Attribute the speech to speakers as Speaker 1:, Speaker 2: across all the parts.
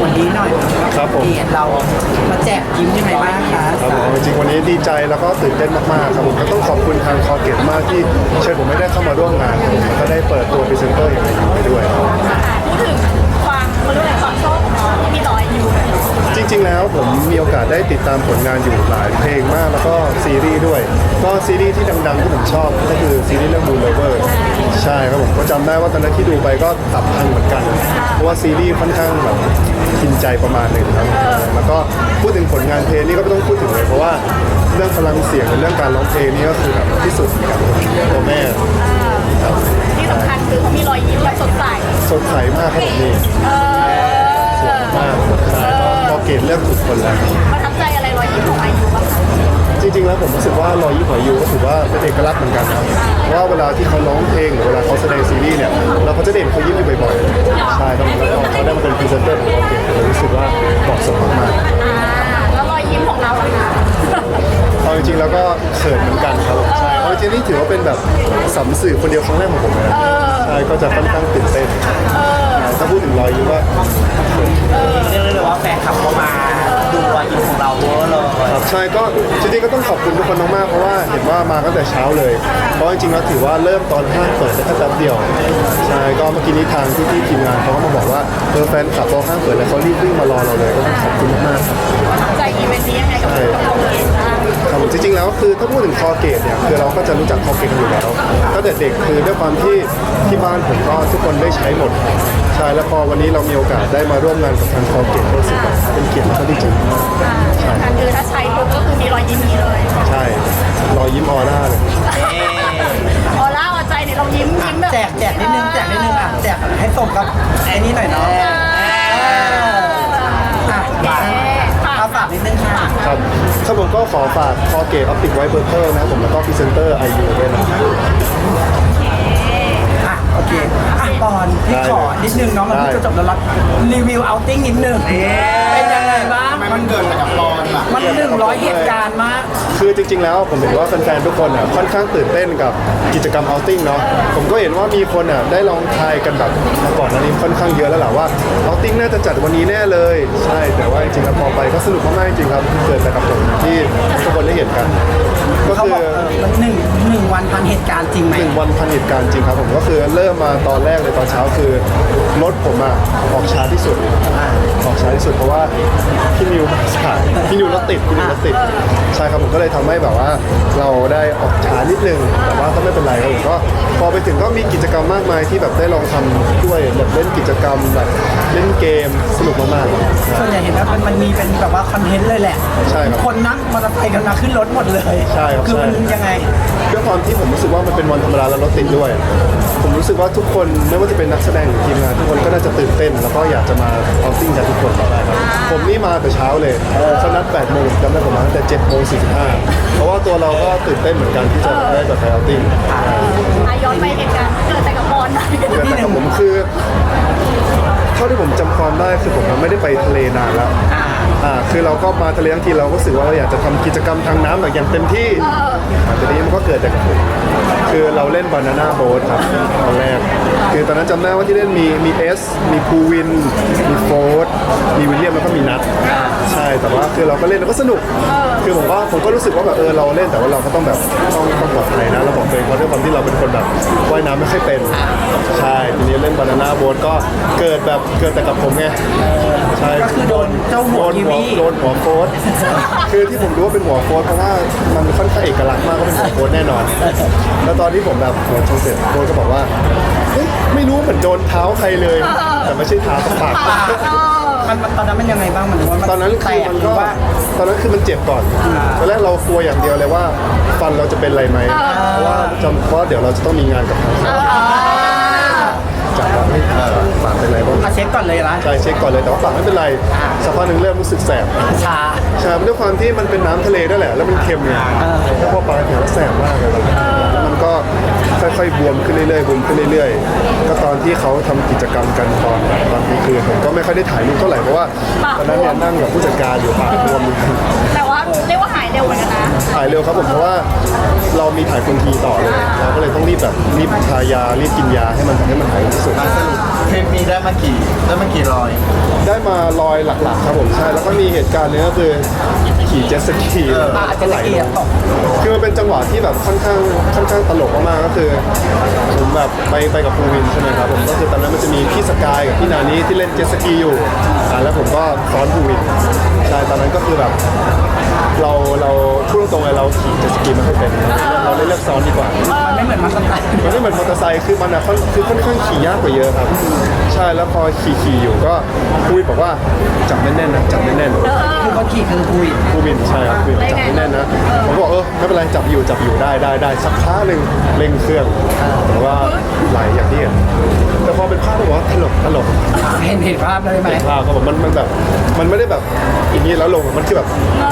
Speaker 1: วันนี้หน่อย
Speaker 2: ครับผม
Speaker 1: นี่เรามาแจกยิ้มยังไงบ้างคะ
Speaker 2: ครับผมจริงๆวันนี้ดีใจแล้วก็ตื่นเต้นมากๆครับผมก็ต้องขอบคุณทางคอเกตมากที่เชิญผมไม่ได้เข้ามาร่วมงานครับผมแล้วก็ได้เปิดตัวพรีเซนเตอร์อย่างไรอยู่ไปด้วย
Speaker 3: พูดถึงความเขาเรียกอะไรความโชคของน้องที่มีต่ออายุ
Speaker 2: จริงๆแล้วผมมีโอกาสได้ติดตามผลงานอยู่หลายเพลงมากแล้วก็ซีรีส์ด้วยก็ซีรีส์ที่ดังๆที่ผมชอบก็คือซีรีส์เรื่อง Moon Lover ใช่ครับผมก็จำได้ว่าตอนนั้นที่ดูไปก็ตับพังเหมือนกันเพราะว่าซีรีส์ค่อนข้างแบบกินใจประมาณหนึงครับแล้วก็พูดถึงผลงานเพลงนี่ก็ไม่ต้องพูดถึงเลยเพราะว่าเรื่องพลังเสียงเรื่องการร้องเพลงนี่ก็คือแบบที่สุดกับตัวแม่ครับ
Speaker 3: ที่สำคัญคือเขามีรอยยิ้มแบบสดใส
Speaker 2: สดใสมากครับผมนี่สวยมากใช่ก็พอเกตเลือกถูกคนแล้ว
Speaker 3: ประทับใจอะไรรอยยิ้มของอายุบ้างคะ
Speaker 2: จริงๆแล้วผมรู้สึกว่ารอยยิ้มของยูก็ถือว่าเป็นเอกลักษณ์เหมือนกันนะเพราะว่าเวลาที่เขาร้องเพลงหรือเวลาเขาแสดงซีรีส์เนี่ยเราก็จะได้เห็นเขายิ้มอยู่บ่อยๆใช่ครับแล้วพอเขาได้มาเป็นพรีเซนเตอร์ของเราเองเรารู้สึกว่าเหมาะสมมาก
Speaker 3: แล้วรอยยิ้มของเราล่ะคะ
Speaker 2: ๆเอาจริงๆแล้วก็เขินเหมือนกันครับใช่เอาจริงๆนี่ถือว่าเป็นแบบสัมสื่อคนเดียวครั้งแรกของผมเลยนะใช่ก็จะค่อนข้างตื่นเต้นถ้าพูดถึงรอยยิ้มว่า
Speaker 1: เรียกได้เลยว่าแฟนคลับเข้ามาดูรอยยิ้มของเราเวอร์เลย
Speaker 2: ครับใช่ก็จริงๆก็ต้องขอบคุณทุกคนมากๆเพราะว่าเห็นว่ามาตั้งแต่เช้าเลยเพราะจริงๆแล้วถือว่าเริ่มตอนห้างเปิดแต่แค่แป๊บเดียวใช่ก็เมื่อกี้นี้ทางที่ทีมงานเขาก็มาบอกว่าแฟนคลับพอห้างเปิดแล้วเขารีบวิ่งมารอเราเลยก็ต้องขอบคุณมากๆครับ
Speaker 3: ประทับใจอีเวนต์นี้ยังไงกับเราเองบ้าง
Speaker 2: ครับผมจริงๆแล้วคือถ้าพูดถึงคอเกตเนี่ยคือเราก็จะรู้จักคอเกตกันอยู่แล้วตั้งแต่เด็กคือด้วยความที่บ้านผมก็ทุกคนได้ใช้หมดใช่แล้วพอวันนี้เรามีโอกาสได้มาร่วมงานกับทางคอเกตก็รู้สึกแบบเป็นเกียรติและก็ดีใจมาก
Speaker 3: สำคัญคือถ้าใช้ปุ๊บก็คือมีรอยยิ้มนี้เลย
Speaker 2: ใช่รอยยิ้มออร่าเลย
Speaker 3: ออร่าหัวใจเนี่ยเรายิ้มยิ้มแบบ
Speaker 1: แจกนิดนึงอ่ะแจกให้สมกับไอ้นี่หน่อยเนาะเอาฝากนิดนึงค่ะ
Speaker 2: ครับครับผมก็ขอฝากคอเกตออปติกไวท์เบอร์เคิลนะครับผมแล้วก็พรีเซนเตอร์ไอยูด้วยนะครับ
Speaker 1: โอเคปอนพี่ขอนิดนึงเนาะมันเพิ่งจะจบแล้วรีวิวเอาติ้งนิดนึงเป็นยังไงบ้าง
Speaker 4: มันเกิดอะไรกับปอนล่ะ
Speaker 1: มัน100เหตุการณ์มาก
Speaker 2: คือจริงๆแล้วผมเห็นว่าแฟนๆทุกคนอ่ะค่อนข้างตื่นเต้นกับกิจกรรมเอาติ้งเนาะผมก็เห็นว่ามีคนอ่ะได้ลองทายกันแบบมาก่อนหน้านี้ค่อนข้างเยอะแล้วแหละว่าเอาติ้งน่าจะจัดวันนี้แน่เลยใช่แต่ว่าจริงๆแล้วพอไปก็สนุกมากๆจริงๆครับเกิดแต่กับผมที่ทุกคนได้เห็นกัน ก็
Speaker 1: เขา
Speaker 2: คื
Speaker 1: บอก
Speaker 2: อ
Speaker 1: มันหนึ่งวันพันเหตุการณ์จริงไหม
Speaker 2: 1 วันพันเหตุการณ์จริงครับผมก็คือเริ่มมาตอนแรกเลยตอนเช้าคือรถผมอ่ะออกช้าที่สุดออกช้าที่สุดเพราะว่าพี่นิวสายพี่นิวรถติดใช่ครับผมก็เลยทำให้แบบว่าเราได้ออกช้านิดนึงแต่ว่าก็ไม่เป็นไรครับผมก็พอไปถึงก็มีกิจกรรมมากมายที่แบบได้ลองทำด้วยแบบเล่นกิจกรรมแบบเล่นเกมสนุกมากๆ
Speaker 1: ส่วนใหญ่เห็นว่ามันมีเป็นแบบว่าคอนเทนต์เลยแหละ
Speaker 2: ใช่ครับ
Speaker 1: คนนั่งมอเตอร์ไซค์กันมาขึ้นรถหมดเลย
Speaker 2: ใช่ครับ
Speaker 1: คือมัน
Speaker 2: ใช่
Speaker 1: ยังไง
Speaker 2: ด้วยความที่ผมรู้สึกว่ามันเป็นวันธรรมดาแล้วรถติดด้วย ผมรู้สึกว่าทุกคนไม่ว่าจะเป็นนักแสดงหรือทีมงานทุกคนก็น่าจะตื่นเต้น แล้วก็อยากจะมาเอาติ้งกันทุกคนครับผมนี่มาแต่เช้าเลยเขานัด8 โมงจำได้ผมมาตั้งแต่7 โมง 45เพราะว่าตัวเราก็ตื่นเต้นเหมือนกันที่จะได้แบบไปเอาติ้ง
Speaker 3: ย้อนไปเหตุการณ์เกิดแต่กับปอนนะ
Speaker 2: แต่กับผมคือเท่าที่ผมจำความได้คือผมไม่ได้ไปทะเลนานแล้วคือเราก็มาทะเลทั้งทีเราก็รู้สึกว่าเราอยากจะทำกิจกรรมทางน้ำแบบอย่างเต็มที่แต่ทีนี้มันก็เกิดจากคือเราเล่นบานาน่าโบ๊ทครับตอนแรกคือตอนนั้นจำได้ว่าที่เล่นมีเอสมีภูวินมีโฟร์ธมีวิลเลียมแล้วก็มีนัทใช่แต่ว่าคือเราก็เล่นแล้วก็สนุกคือผมก็รู้สึกว่าแบบเราเล่นแต่ว่าเราก็ต้องแบบต้องปลอดภัยนะเราบอกตัวเองเพราะด้วยความที่เราเป็นคนแบบว่ายน้ำไม่ค่อยเป็นใช่ทีนี้เล่นบานาน่าโบ๊ทก็เกิดแต่กับผมไงใช่
Speaker 1: ก็คือโดนเจ้าหัวกีวี
Speaker 2: โดนหัวโค้ดคือที่ผมรู้ว่าเป็นหัวโค้ดเพราะว่ามันค่อนข้างเอกลักษณ์มากก็เป็นหัวโค้ดแน่นอนแล้วตอนที่ผมแบบหัวชงเสร็จโค้ดก็บอกว่าเฮ้ยไม่รู้เหมือนโดนเท้าใครเลย แต่ไม่ใช่เท้าปาก
Speaker 1: มันตอนนั้นมันยังไงบ้างมันว่ามัน
Speaker 2: ตอนนั้น
Speaker 1: แต
Speaker 2: คือก มัน
Speaker 1: หรื
Speaker 2: ก็
Speaker 1: อว่า
Speaker 2: ตอนนั้นคือมันเจ็บก่อนตอนแรกเรากลัวอย่างเดียวเลยว่าฟันเราจะเป็นอะไรไหมเพราะว่าเดี๋ยวเราจะต้องมีงานกับทางจากปากไม่ปากเป็นไรบ้าง
Speaker 1: มาเช็คก่อนเลยนะ
Speaker 2: ใช่เช็คก่อนเลยแต่ว่าปากไม่เป็นไรสักพักหนึ่งเริ่มรู้สึกแสบ
Speaker 1: ชา
Speaker 2: ใช่ด้วยความที่มันเป็นน้ำทะเลด้วยแหละแล้วมันเค็มเนี่ยแล้วพอปลาถึงแล้วแสบมากเลยแล้วมันก็ค่อยๆบวมขึ้นเรื่อยๆบวมขึ้นเรื่อยๆก็ตอนที่เขาทำกิจกรรมกันตอนกลางคืนผมก็ไม่ค่อยได้ถ่ายรูปเท่าไหร่เพราะว่าตอนนั้นเนี่ยนั่งกับผู้จัดการอยู่ปากบวมอยู่
Speaker 3: แต่ว่าเรียกว่าหายเร็วเหมือนกันนะ
Speaker 2: ถ่ายเร็วครับผมเพราะว่าเรามีถ่ายคนทีต่อเลยเราก็เลยต้องรีบทายารีบกินยาให้มันหายที่สุด
Speaker 4: สรุปเทรนมีได้มากี่รอย
Speaker 2: ได้มาลอยหลักๆครับผมใช่แล้วก็มีเหตุการณ์หนึงก็คือขี่เจ็ตสกีแล้ว
Speaker 1: อาจจะละเอียดตก
Speaker 2: คือมันเป็นจังหวะที่แบบค่อนข้างตลกมากๆก็คือผมแบบไปกับภูวินใช่ไหมครับผมก็คือตอนนั้นมันจะมีพี่สกายกับพี่นานี้ที่เล่นเจ็ตสกีอยู่แล้วผมก็ซ้อนภูวินใช่ตอนนั้นก็คือแบบเราพูดตรงๆเลยเราขี่เจ็ตสกีไม่ค่อยเป็นเราเลยเลือกซ้อนดีกว่า
Speaker 1: มันไม่เหมือนมันสไตล์
Speaker 2: มันไม่เหมือนมอเตอร์ไซค์คือมันอะคือค่อนข้างขี่ยากกว่าเยอะครับ ใช่แล้วพอขี่อยู่ก็คุยบอกว่าจับแน่นๆนะจับแน่นๆ
Speaker 1: คือเขาขี่คือคุย
Speaker 2: ผู้บินใช่ครับผู้บินจับไม่แน่นนะผมบอกไม่เป็นไรจับอยู่ได้สักพักหนึ่งเร่งเครื่องแต่ว่าไหลอย่างที่เห็นแต่พอเป็นภาพผมว่าตลก
Speaker 1: เห็นภาพเลยไหม
Speaker 2: ภาพก็แบบมันแบบมันไม่ได้แบบอย่างนี้แล้วลงมันคือแบบ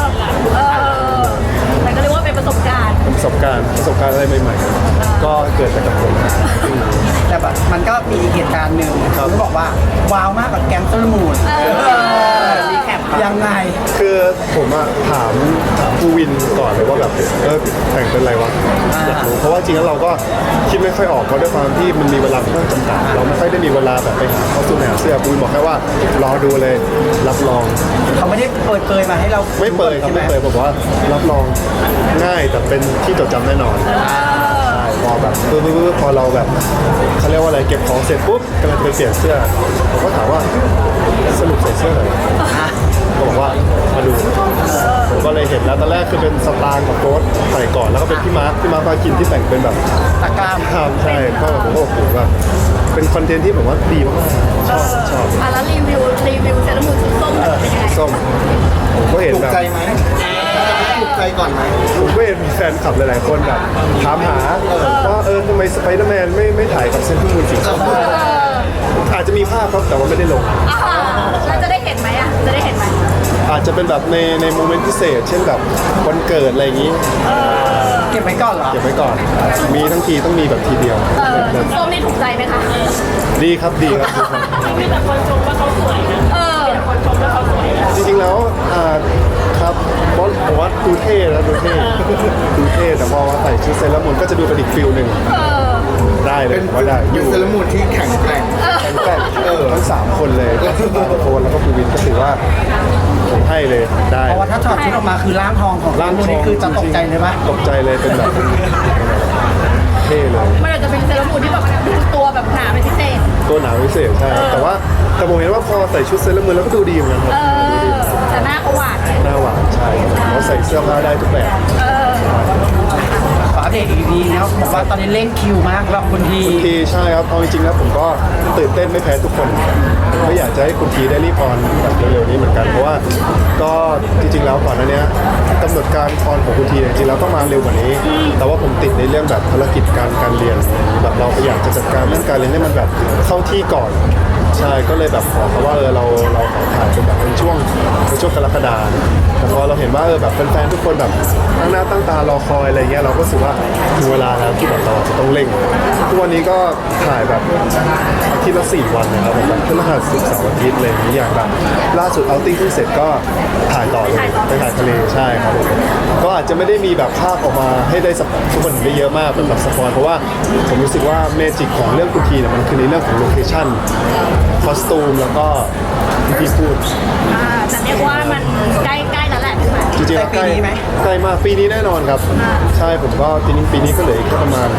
Speaker 3: แต่ก็เรียกว่าเป็นประสบการณ์
Speaker 2: ประสบการณ์อะไรใหม่ๆก็เกิดจากกับผม
Speaker 1: แต่แบบมันก็มีอีกเหตุการณ์หนึ่ง
Speaker 2: ครับ
Speaker 1: เขาบอกว่าว้าวมากกับแก๊งเซอร์มูนรีแคปยังไง
Speaker 2: คือผมอะถามผู้วินก่อนเลยว่าแบบแต่งเป็นอะไรวะอยากรู้เพราะว่าจริงแล้วเราก็คิดไม่ค่อยออกเพราะด้วยความที่มันมีเวลาค่อนข้างจำกัดเราไม่ค่อยได้มีเวลาแบบไปหาข้อสู้หาเสื้อผู้วินบอกแค่ว่ารอดูเลยรับรอง
Speaker 1: เขาไม่ได้เปิดเผยมาให้เรา
Speaker 2: ไม่เปิดครับ
Speaker 1: ใช่ไหม
Speaker 2: ไม่เปิดบอกว่ารับรองง่ายแต่เป็นที่จดจำแน่นอนใช่พอแบบพอเราแบบเขาเรียกว่าอะไรเก็บของเสร็จปุ๊บกำลังจะไปเปลี่ยนเสื้อผมก็ถามว่าสรุปใส่เสื้ออะไรก็บอกว่ามาดูผมก็เลยเห็นแล้วตอนแรกคือเป็นสตางค์กับโค้ดใส่ก่อนแล้วก็เป็นพี่มาร์คพาคินที่แต่งเป็นแบบ
Speaker 1: ตะกร้าม
Speaker 2: ทำใช่ก็ผมก็โอ้โหแบบเป็นคอนเทนต์ที่ผมว่าดีมากๆชอบ
Speaker 3: แล้วรีวิวเซรามูนชุดส้มเป็นยังไง
Speaker 2: ส้มผมก็เห็น
Speaker 4: ถูก
Speaker 2: แบบ
Speaker 4: ใจไหมถูกใจก่อนไหม
Speaker 2: ผมก็เห็นมีแฟนคลับหลายๆคนแบบถามหาว่าทำไมสไปเดอร์แมนไม่ถ่ายกับเซนต์มูนสีส้มอาจจะมีภาพครับแต่ว่าไม่ได้ลง
Speaker 3: แล้วจะได้เห็นไหมจะได้เห็นไหม
Speaker 2: อาจจะเป็นแบบในโมเมนต์พิเศษ เช่นแบบวันเกิดอะไรอย่างนี้
Speaker 1: เก็บไว้ก่อนเหรอ
Speaker 2: เก็บไว้ก่อน มีทั้งทีต้องมีแบบทีเดียว
Speaker 3: ชุดส้มนี่ถูกใจไหมคะ
Speaker 2: ดีครับดีครับ
Speaker 3: มีแต่คนชมว่าเขาสวยนะมีแต่คนชมว่าเขาสวยนะ
Speaker 2: จริงๆแล้วครับเพราะผมว่าดูเท่แล้วดูเท่แต่พอว่าใส่ชุดเซเลอรามูนก็จะดูเป็นอีกฟิลหนึ่งได้เลยผมว่าได้อยู่
Speaker 4: เซเลมูนที่แข็งแกร่ง
Speaker 2: แต่ทั้ง3คนเลยก็คือโฟนแล้วก็ปูวินก็ถือว่าผมให้เลยได้
Speaker 1: เพราะว่าถ้าถอดชุดออกมาคือร่างทองของ
Speaker 2: ร่างท
Speaker 1: นี่
Speaker 2: อง
Speaker 1: คือจะตกใจเลยปะ
Speaker 2: ตกใจเลยเป็นแบบเท่เลย
Speaker 3: มันอาจจะเป็นเซรามูนที่แบบตัวแบบหนาเป็นพิเศษ
Speaker 2: ตัวหนาวพิเศษใช่แต่ผมเห็นว่าพอใส่ชุดเซเลอร์มูนแล้วก็ดูดีเหมือนกันครับดูดี
Speaker 3: แต่หน้าเขาหวาน
Speaker 2: หน้าหวานใช่เขาใส่เสื้อผ้าได้ทุกแบบ
Speaker 1: ขออัปเดตอีกทีนะครับบอกว่าตอนนี้เร่งคิวมากแบบคุณที
Speaker 2: คุณทีใช่ครับเอาจริงๆแล้วผมก็ตื่นเต้นไม่แพ้ทุกคนก็อยากจะให้คุณทีได้รีบออนแบบเร็วๆนี้เหมือนกันเพราะว่าก็จริงๆแล้วก่อนหน้านี้กำหนดการออนของคุณทีเนี่ยจริงๆแล้วต้องมาเร็วกว่านี้ แต่ว่าผมติดในเรื่องแบบภารกิจการเรียนแบบเราอยากจะจัดการเรื่องการเรียนให้มันแบบเข้าที่ก่อนใช่ก็เลยแบบขอเขาว่าเราขอถ่ายเป็นแบบเป็นช่วงกรกฎาคมแต่พอเราเห็นว่าแบบแฟนๆทุกคนแบบตั้งหน้าตั้งตารอคอยอะไรเงี้ยเราก็รู้สึกว่าถึงเวลาแล้วที่แบบเราจะต้องเร่งทุกวันนี้ก็ถ่ายแบบอาทิตย์ละ4 วันนะครับแบบพฤหัสศุกร์เสาร์อาทิตย์อะไรอย่างเงี้ยอย่างแบบล่าสุดเอาติ้งเพิ่งเสร็จก็ถ่ายต่อเลยไปถ่ายทะเลใช่ครับผมก็อาจจะไม่ได้มีแบบภาพออกมาให้ได้ทุกคนเห็นได้เยอะมากเป็นแบบสปอยเพราะว่าผมรู้สึกว่าเมจิกของเรื่องคุณทีเนี่ยมันคือในเรื่องของโลเคชั่นคอสตูมแล้วก็ที่พูด
Speaker 3: แต่เรียกว่ามันใกล้แล้วแหละพี่หมาย
Speaker 2: จริงๆแล้วใกล้มากปีนี้แน่นอนครับ ใช่ผมก็ปีนี้ก็เหลืออีกแค่ประมาณ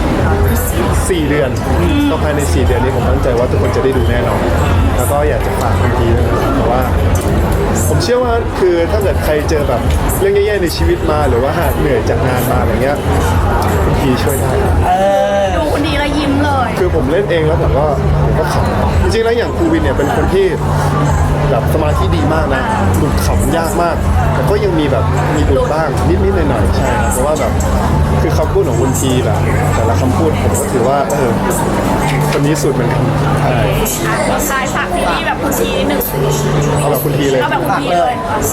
Speaker 2: 4 เดือนก็ภายใน4 เดือนนี้ผมตั้งใจว่าทุกคนจะได้ดูแน่นอนแล้วก็อยากจะฝากคุณทีด้วยนะครับเพราะว่าผมเชื่อว่าคือถ้าเกิดใครเจอแบบเรื่องแย่ๆในชีวิตมาหรือว่าหากเหนื่อยจากงานมาอะไรเงี้ยคุณทีช่วยได้
Speaker 3: ดูคนดีแล้วยิ้มเลย
Speaker 2: คือผมเล่นเองแล้วผมก็ขำจริงๆแล้วอย่างครูวินเนี่ยเป็นคนที่แบบสมาธิดีมากนะหลุดขำยากมากแต่ก็ยังมีแบบมีหลุดบ้างนิดๆหน่อยๆใช่ครับเพราะว่าแบบคือคำพูดของคุณทีแบบแต่ละคำพูดผมก็ถือว่าคนนี้สุดเหมือนกันใช่
Speaker 3: ทายฝากซีรีส์แบบคุณทีนิดนึง
Speaker 2: เอาแบบคุณทีเลย
Speaker 3: เอาแบบคุณทีเลย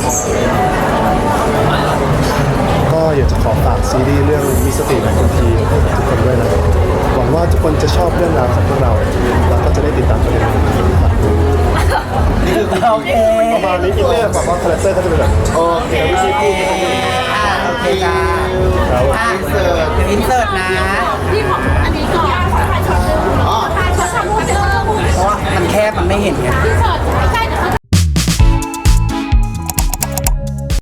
Speaker 2: ก็อยากจะขอฝากซีรีส์เรื่องมีสติของคุณทีให้กับทุกคนด้วยนะหวังว่าทุกคนจะชอบเรื่องราวของพวกเราแล้วก็จะได้ติดตามกันเลยฝากดู
Speaker 1: โอเค
Speaker 2: ประมาณนี้อินเนอร์แบบว่าคาแรคเตอร์ก็จะเป็นแบบโอเควิธีพูดก็จะเป็น
Speaker 1: โอเคจ้า
Speaker 2: ครับ
Speaker 1: เดี๋ยวอินเสิร์ตนะ
Speaker 3: พี่ของอันนี้ก่อนถ่ายช็อตนึงถ่ายช็อตทำมูเจอร์
Speaker 1: เพราะว่ามันบมันไม่เห็นไง
Speaker 3: พี่เฉิดใกล้ๆ